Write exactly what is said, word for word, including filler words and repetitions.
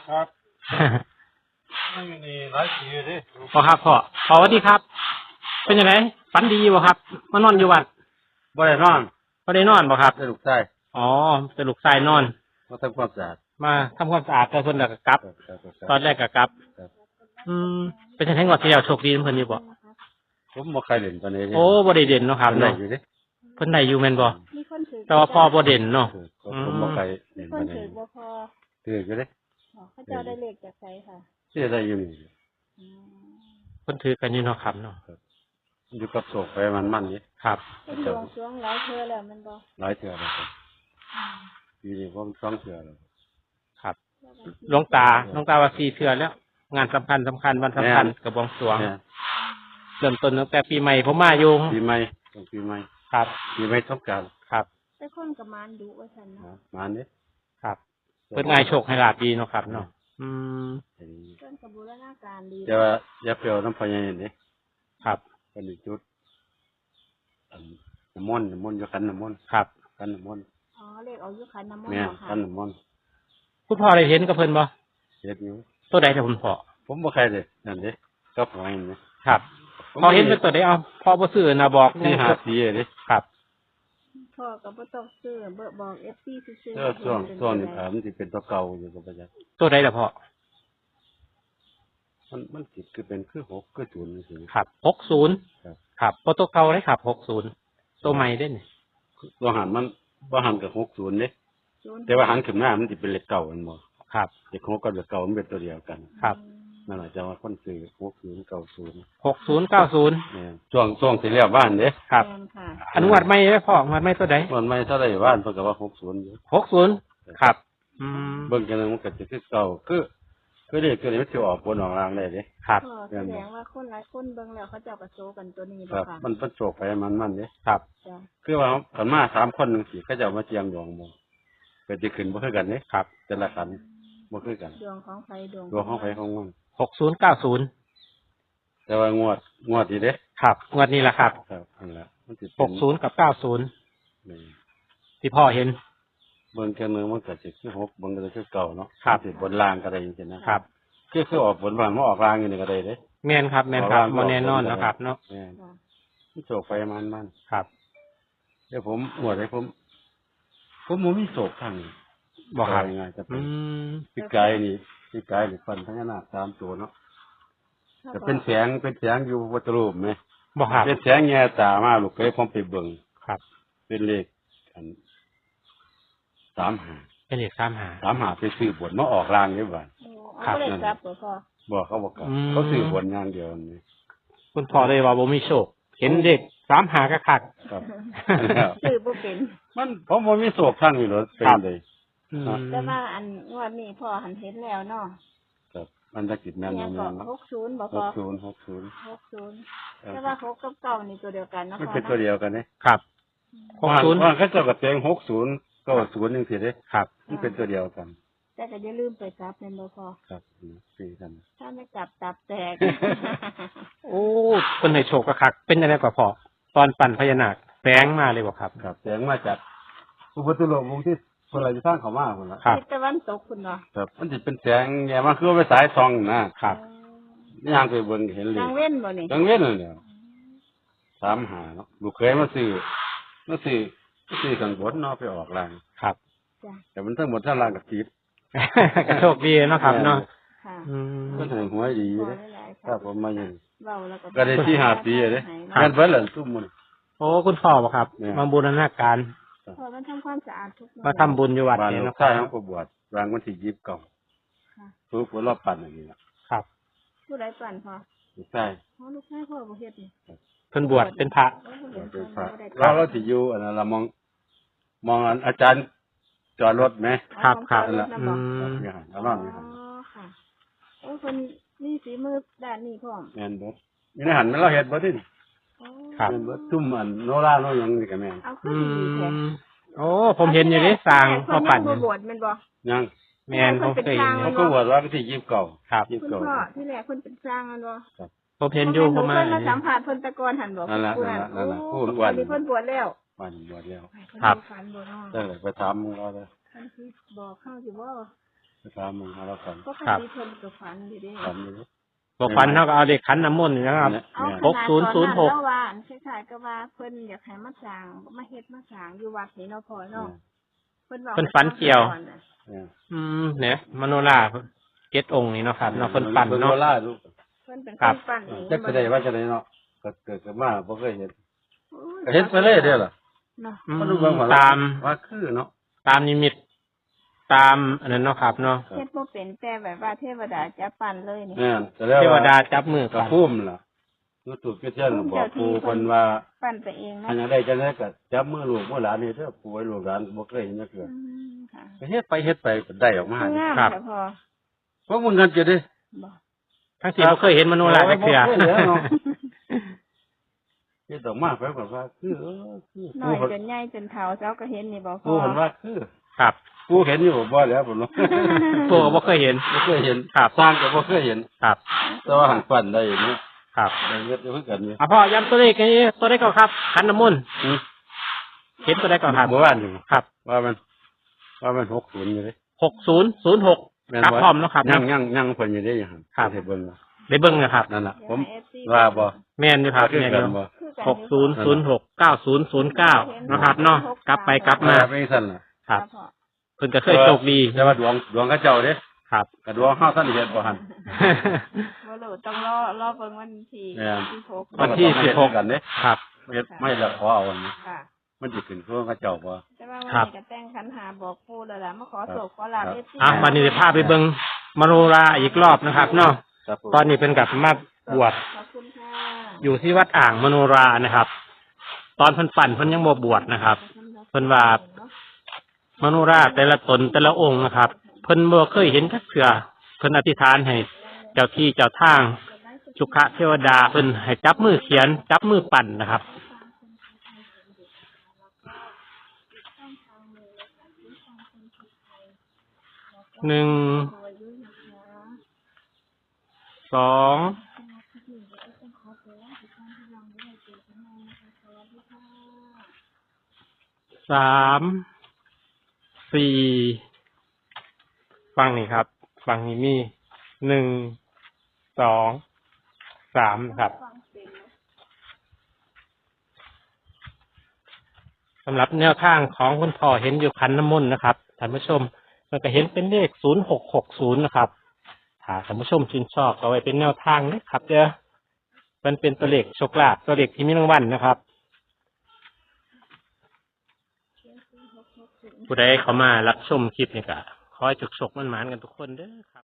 ครับไม่มีหลายปีเลยพ่อครับพ่อพ่อสวัสดีครับ เป็นยังไงฝันดีบ่ครับมานอนอยู่วัดบ่ได้นอนบ่ได้นอนบ่ครับได้ลูกชายอ๋อจะลูกชายนอนมาทำความสะอาดมาทำความสะอาดแต่เพิ่นน่ะก็กลับครับครับครับตอนแรกก็กลับครับอืมเป็นจังได๋งวดที่แล้วโชคดีเพิ่นอยู่บ่ผมบ่ใครเล่นตอนนี้โอ้บ่ได้เด่นเนาะครับได้เนาะอยู่เด้เพิ่นได้อยู่แม่นบ่มีคนถือแต่ว่าพ่อบ่เด่นเนาะผมบ่ใครมีเล่นคตอน นถืนี้อบ่พอถืออยู่เด้เขาเจ้าได้เลขจากไสค่ะที่ได้อยู่นี่อืมเพิ่นถือกันอยู่เนาะครับเนาะอยู่กับโศกไปมันมันนี่ครับเป็นดวงสรวงหลายเทื่อแล้วแมันบ่หลายเทื่อแล้วครับอืมปีนี้ผมสองเทื่อแล้วครับหลวงตาหลวงตาว่าสี่เทื่อแล้ว งานสำคัญสำคัญวันสำคัญกับบวงสรวงเนี่ยเริ่มต้นตั้งแต่ปีใหม่ผมมาอยู่ปีใหม่ต้องปีใหม่ครับปีใหม่สงกรานต์ครับแต่คนกับมารดุว่าซั่นนะเนาะมานี่ครับเพิ่นง่ายโชคให้ลาบดีเนาะครับเนาะอืมเพิ่นก็บูรณาการดีแต่ว่าอย่าเปรี้ยวน้ำพญานี่ครับเป็นอีกจุดอันน้ำมนต์น้ำมนต์อยู่ขันน้ำมนต์ครับขันน้ำมนต์อ๋อเลขเอาอยู่ขันน้ำมนต์แม่เหรอค่ะขันน้ำมนต์คุณพ่อได้เห็นกับเพิ่นบ่เฮ็ดอยู่ตัวใดแต่คุณพ่อผมบ่ใครเลยนั่นเด้ก็หอยนี่ครับพอเห็นเป็นตัวใดเอาพ่อบ่ซื้อนะบอกที่หาสีเด้ครับพ่อก็บ่ต้องซื้อเบิกบอก เอฟ ซี ซื่อเออช่วงช่วงนี้ถามมันสิเป็นตัวเก่าอยู่กับประจักษ์ตัวใดล่ะพ่อมันมันสิคือเป็นคือหกคือศูนย์จังซี่ครับหกสิบครับครับบ่ตัวเก่าเลยครับหกสิบตัวใหม่เด้นี่ตัวหันมันบ่หันกับหกศูนย์เด้ศูนย์แต่ว่าหันขึ้นหน้ามันสิเป็นเลขเก่ามันบ่ครับเลขหกกับเลขเก่ามันเป็นตัวเดียวกันครับนั่นแหละจะว่าคนซื้อหกศูนย์เก้าศูนย์หกสิบ เก้าสิบเนี่ยช่วงช่วงที่แล้วบ้านเด้ครับแม่นค่ะอันงวดใหม่เด้อพ่องวดใหม่ตัวใดมันไม่เท่าไหร่บ้านเพิ่นก็ว่าหกศูนย์อยู่หกสิบครับอืมเบิ่งกันแล้วมันก็จะคือเก่าคือคือเด็กตัวนี้มันสิออกบนออกล่างได้เด้ครับก็แสดงว่าคนหลายคนเบิ่งแล้วเขาเจ้าก็โซกันตัวนี้ครับ่บค่ะมันเป็นโศกไปมันมันเด้ครับจ้ะคือว่าขันมาสามคนจังซี่เขาเจะมาเจียงดวงบ่ก็สิขึ้นบ่คือกันเด้ครับแต่ละขันบ่คือกันดวงของไฟดวงดวงของไผของมันหกสิบ เก้าสิบแต่ว่างวดงวดนี้เด้ครับงวดนี้แหละครับครับนั่นแหละมันสิหกสิบกับเก้าสิบนี่ที่พ่อเห็นเบิ่งกันนึงมันก็สิคือหกเบิ่งก็สิคือเก่าเนาะครับสิบนล่างก็ได้จังซี่นะครับ คือคือออกบนบ้านมาออกล่างอยู่นี่ก็ได้เด้แม่นครับแม่นครับบ่แน่นอนนะครับเนาะแม่นค่ะมันโศกไปมันมันครับเดี๋ยวผมงวดให้ผม ผมบ่มีโศกทางนี้บ่ครับว่าง่ายๆจะเป็อืนมพี่กายนี่พี่กายนี่ฟันพญานาคสามตัวเนาะจะเป็นแสงเป็นแสงอยู่วัตถุรูปไหมบ่ครับเป็นแสงแง่ตามาลูกเคยผมไปเบิ่งครับเป็นเลขอันสามหาเป็นเลขสามหาสามหาไปซื้อบนมาออกรางนี่บ้านโอ้ครัเอาบเลขกลับบ่พ่อบอกเขาบอกกันอืมเขาซื้อบนอย่างเดียวนี่คุณพ่อเลยว่าบ่มีโชค เห็นเด็กสามหากะคักครับซื้อบ่เป็นมันผมบ่มีโศกทางนี้หรอกเป็นครับเลยอืมแต่ว่าอันงวดนี้พ่อหันเห็นแล้วเนาะครับมันจะกิจแม่นเนี่ยแม่ก็นหกสิบบ่หพ่อกศูนย์หกศูนย์หกสิบแต่ว่าหกกับเก้านี่ตัวเดียวกันเนาะมันพ่อเป็นตัวเนาะเดียวกันเนี่ยครับหกศูนย์ว่าเขาเจ้าก็แต่งหกศูนย์เก้าศูนย์จังซี่เด้ครับมันเป็นตัวเดียวกันแต่ก็อย่าลืมไปกลับแม่นบ่พ่อครับสี่กันถ้าไม่กลับตับแตกโอ้คนให้โชคกะคัก เป็นอะไรกว่าพ่อตอนปั่นพญานาคแฝงมาเลยบ่ครับครับแสงมาจากอุปตุโลกวงที่คนอะไรจะสร้างเขามาคนละครับทิศตะวันตกคุณเนาะครับมันจะเป็นแสงแง่มาคือว่าไปสายทองนะครับ นี่ทางไปเบิ่งเห็นเลยนางเว้นบ่นี่กังเว้นเลยเนี่ยสามหาเนาะลูกเคยมาซื้อมาซื้อมาซื้อข้างบนเนาะไปออกรางครับจ้ะแต่มันทั้งหมดทั้งรางกับติดก็โชคดีเนาะครับเนาะค่ะอืมก็ถึงหัวดีขอเลยหลายๆครับผมมาอยู่เว้าแล้วก็ก็ได้ที่หาปีเลยครับงานเพิ่นล่ะทุกมื้อโอ้คุณพ่อบ่ครับเนี่ยมาบูรณาการพอมันทำความสะอาดทุกมาทำบุญอยู่วัดบ้านเนี่ยลูเนาะกคชายรัเขาบก็บวชรางวันที่ยี่สิบเก้าค่ะผู้ผู้รอบปั่นอย่างนี้ล่ะครับผู้ใดปั่นพอลูกชายอ๋อลูกชายพ่อบ่เฮ็ดนี่เพิ่นบวชเป็นพระโอ้บ่บเห็วน ชเป็นพพระบ่ได้เราเราสิอยู่อันนั้นเรามอง มองอันอาจารย์จอดรถไหมครับครับนั่นล่ะอืมนี่ฮะเรานอนนี่อ๋ฮะอค่ะโอ้เพิ่นมีฝีมือด้านนี้พร้อมแม่นเบิดนี่ในหันมันเราเฮ็ดบ่ดิอ๋อครับแม่นเบิดซุ่มอันโนราโนหยังนี่ก็แม่นเอาคือือดีแท้มโอ้ผมเห็นอยู่นี่สร้างมาปั่นเพิ่นยังบ่บวชแม่นบ่ยังแม่นผมเคยเห็นอเขายู่ก็บวชว่าวันที่ยี่สิบเก้าครับยี่คุสิบณเก้าพ่อที่แรกเพิ่นเป็นสร้างแม่นบ่ผมเห็นอยู่ผมมาเพิ่นมาสัมภาษณ์เพิ่นแตะกอนหั่นบ่นั่นล่ะผู้นั่นล่ะนั่นล่ะโอ้ผู้อ้วนตอนนี้เพิ่นบวชแล้ววันบวชแล้วเพิ่นครับมีฝันบ่เนาะได้เลยไปถามเราเลยเพิ่นสิบอกเข้าสิบ่ไปถามมึงหาเราฝันก็คันครับที่เพิ่นก็ฝันอยู่เด้ฝันอยู่บอกฟันเท่ากับเอาเด็กขันน้ำมนต์นี่นะครับเนี่ยเอาเนี่ยขหกนาดศูนย์ศูนย์หกตอว่าอันคล้ายๆก็ว่าเพิ่นอยากให้มาสร้างมาเฮ็ดมาสร้างอยู่วัดนี่เนาะพ่อเนาะเพิ่นบอกเพิ่นฝันเกี่ยวเนี่ยอืมเนี่ยมโนราเจ็ดองค์นี่เนาะครับเนาะเพิ่นปั่นเนาะบิ่งโบราณลูกเพิ่นเป็นครัคบนปั่นเองจักจะได้ว่าจะได้เนาะก็เกิดขึ้นมาบ่เคยเห็นโอ้ยก็เห็นไปเลยเด้อล่ะเนาะอืมมันดูเบิ่งว่าตามว่าคือเนาะตามนิมิต ตามอันนั้นเนาะครับเนาะเฮ็ดบ่เป็นแต่แบบว่าเทวดาจะปั่นเลยนี่แม่นแต่แล้วเทวดาจับมือก็กันพุ่มล่ะยูทูบก็เช่นบอกปู่เพิ่นว่าปั่นไปเองอันเนาะยังได้จังได๋ก็จับมือลูกมือหลานนี่เด้อปู่ให้ลูกหลานบ่เคยเห็นจักเทื่ออืมค่ะก็เฮ็ดไปเฮ็ดไปก็ได้ออกมาคืองามครับแต่พอเพราะมึงกันจะได้บ่ทั้งที่เราเคยเห็นมโนราจักเทื่อโอ้ยบ่เคยเห็นเนาะ เฮ็ดออกมาไปแบบว่าคือเออคือน้อยจนใหญ่จนเฒ่าเจ้าก็เห็นนี่บ่พปู่อเห็นว่าคือครับปู่เห็นอยู่บ่แล้วผมเนาะพวกก็บ่เคยเห็นบ่เคยเห็นครับสร้างก็บ่เคยเห็นครับแต่ว่าหันฝันได้อยู่นี่ครับได้เฮ็ดอยู่คือกันนี่อ่ะพ่อย้ำตัวเลขนี้ตัวเลขก่อนครับขันน้ำมนต์อือเห็นตัวเลขก่อนครับเมื่อวานนี่ครับว่ามันว่ามันหกสิบอยู่เด้หกศูนย์ศูนย์หกแม่นครับบ่พร้อมเนาะครับยังยังยังเพิ่นอยู่เด้ยังหั่นครับให้เบิ่งว่าได้เบิ้งนะครับนั่นน่ะ ผมเดี๋ยวให้ เอฟซีว่าบ่แม่นอยู่ครับคือแม่นกัอน ยู่บ่คือกันหกศูนย์ศูนย์หกเก้าศูนย์ศูนย์เก้านะครับเนาะกลับไปกลับมามาเป็นซั่นน่ะครับพ่อเพิ่นก็เคยโชคดีแต่ว่าดวงดวงเขาเจ้าเด้ครับกับดวงเฮาท่านเฮ็ดบ่หั่นบ่รู้ต้องรอรอเบิ่งวันที่แม่นที่หกวันที่สิบหกกันเด้ครับเฮ็ดไม่ละขอเอาอันนี้ค่ะมันสิขึ้นคือเขาเจ้าบ่แต่ว่าวันครับนี้ก็แต่งขันหาบอกปู่แล้วล่ะมาขอโศกขอลาบครับเอฟซีอ่ะวันนี้จะพาไปเบิ้งมโนราอีกรอบนะครับเนาะครับผมตอนนี้เป็นกับมาบวชขอบคุณค่ะอยู่ที่วัดอ่างมโนรานะครับ ตอนเพิ่นปั่นเพิ่นยังบ่บวชนะครับ เพิ่นว่ามโนราแต่ละตนแต่ละองค์นะครับ เพิ่นบ่เคยเห็นจักเทื่อเพิ่นอธิษฐานให้เจ้าที่เจ้าทางสุขเทวดาเพิ่นให้จับมือเขียน จับมือปั่นนะครับ หนึ่ง สอง สาม สี่ ฟังนี่ครับ ฟังนี่มี หนึ่ง สอง สามนะครับ สำหรับแนวทางของคุณพ่อเห็นอยู่ขันน้ำมนต์นะครับท่านผู้ชมมันก็เห็นเป็นเลขศูนย์หกหกศูนย์นะครับถ้าท่านผู้ชมชื่นชอบก็ไว้เป็นแนวทางนะครับเด้อมันเป็นตัวเลขโชคลาภตัวเลขที่มีรางวัลนะครับ ผู้ใดเข้ามารับชมคลิปนี่ก็ขอให้จุกฉกมันหมานกันทุกคนเด้อครับ